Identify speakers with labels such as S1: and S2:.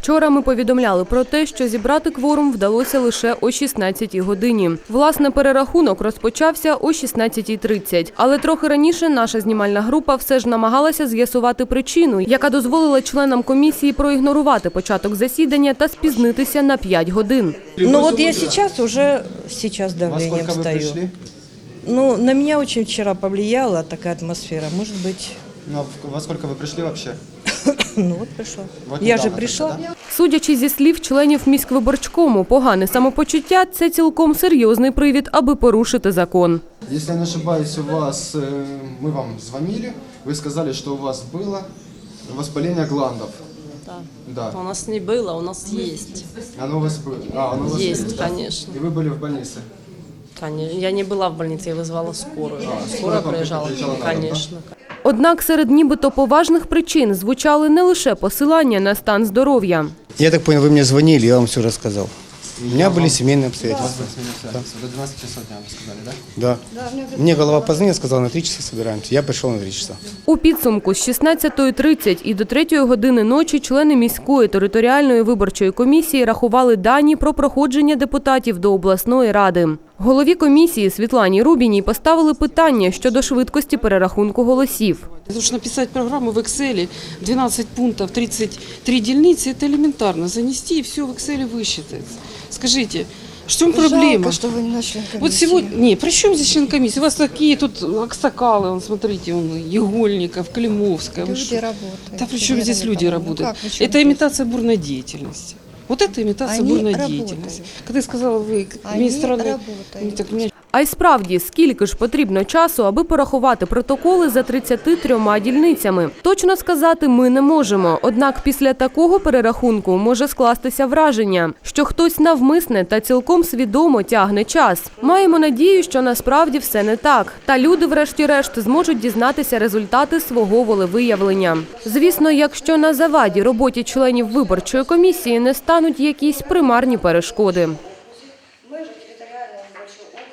S1: Вчора ми повідомляли про те, що зібрати кворум вдалося лише о 16-й годині. Власне, перерахунок розпочався о 16:30. Але трохи раніше наша знімальна група все ж намагалася з'ясувати причину, яка дозволила членам комісії проігнорувати початок засідання та спізнитися на 5 годин.
S2: Ну вот я сейчас давлением стою. Ну, на меня очень вчера повлияла такая атмосфера, может быть.
S3: Ну, а во сколько вы пришли вообще?
S2: Ну вот пришла.
S3: Вот
S2: Я же
S3: недавно
S2: пришла.
S3: только, да?
S1: Судячи зі слів членів міськвиборчкому, погане самопочуття – це цілком серйозний привід, аби порушити закон.
S3: Если я не ошибаюсь, мы вам звонили, вы сказали, что у вас было воспаление гландов. Да.
S4: У нас не было, у нас есть.
S3: Оно у вас было? Оно у вас
S4: Есть,
S3: да?
S4: конечно.
S3: И вы были в больнице?
S4: Конечно. Я не была в больнице, я вызвала скорую. Скорая приезжала,
S3: приезжала на дом,
S4: конечно.
S1: Однак серед нібито поважних причин звучали не лише посилання на стан здоров'я.
S5: Я так понял, вы мне звонили, я вам все рассказал. У меня были семейные обстоятельства.
S3: До 12 часов дня вы сказали, да?
S5: Да. Мне голова позвонила, сказала, на 3 часа собираемся. Я пришел на 3 часа.
S1: У підсумку з 16:30 і до 3 години ночі члени міської територіальної виборчої комісії рахували дані про проходження депутатів до обласної ради. Голові комісії Світлані Рубіній поставили питання щодо швидкості перерахунку голосів.
S6: Потому что написать программу в Excel, 12 пунктов, 33 дельницы, это элементарно. Занести и все в Excel высчитается. Скажите, в чем проблема?
S2: Жалко, что вы не член комиссии.
S6: Вот сегодня, не, при чем здесь член комиссии? У вас такие тут аксакалы, вон, смотрите, Егольников, Климовская.
S2: Люди работают.
S6: Да при чем здесь люди работают? Это имитация бурной деятельности. Вот это имитация
S2: Они
S6: бурной
S2: работают.
S6: деятельности. Когда я сказала, вы
S2: Они
S6: министр
S2: работают.
S6: так меня
S1: А й справді, скільки ж потрібно часу, аби порахувати протоколи за 33 дільницями? Точно сказати ми не можемо. Однак після такого перерахунку може скластися враження, що хтось навмисне та цілком свідомо тягне час. Маємо надію, що насправді все не так. Та люди врешті-решт зможуть дізнатися результати свого волевиявлення. Звісно, якщо на заваді роботі членів виборчої комісії не стануть якісь примарні перешкоди.